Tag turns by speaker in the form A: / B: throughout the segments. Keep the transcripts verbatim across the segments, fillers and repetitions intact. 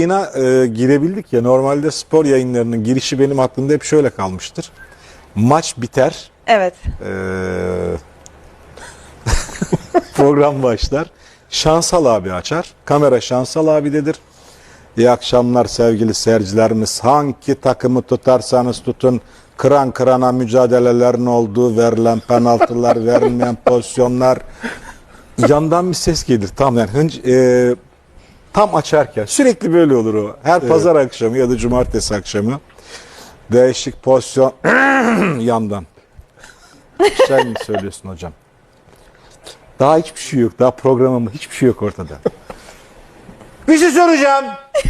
A: Yayına e, girebildik ya, normalde spor yayınlarının girişi benim aklımda hep şöyle kalmıştır. Maç biter,
B: Evet.
A: e, program başlar, Şansal abi açar, kamera Şansal abidedir. İyi akşamlar sevgili seyircilerimiz, hangi takımı tutarsanız tutun, kıran kırana mücadelelerin olduğu, verilen penaltılar, verilmeyen pozisyonlar, yandan bir ses gelir tam yani hınc, e, tam açarken sürekli böyle olur o. Her evet. Pazar akşamı ya da cumartesi akşamı değişik pozisyon yandan. Sen mi söylüyorsun hocam? Daha hiçbir şey yok. Daha programımda hiçbir şey yok ortada.
C: Bir şey soracağım.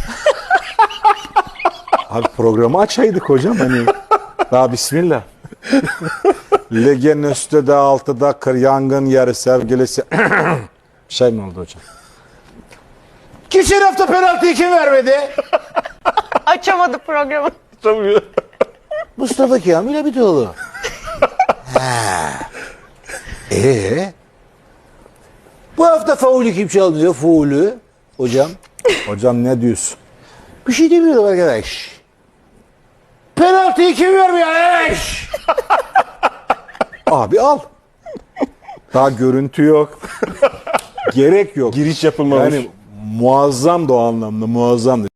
A: Abi programı açaydık hocam hani. Daha bismillah. Legen üstte altıda kır yangın yeri sevgilisi. Bir şey mi oldu hocam?
C: Geçen hafta penaltıyı kim vermedi?
B: Açamadı programı.
C: Tabii. Mustafa Kamil Abitoğlu. Ha. Ee? Bu hafta faulü kim çalmıyor? Faulü. Hocam.
A: Hocam ne diyorsun?
C: Bir şey demiyorum arkadaş. Penaltıyı kim vermiyor arkadaş?
A: Abi al. Daha görüntü yok. Gerek yok.
D: Giriş yapılmamış.
A: Yani muazzam da o anlamda muazzam.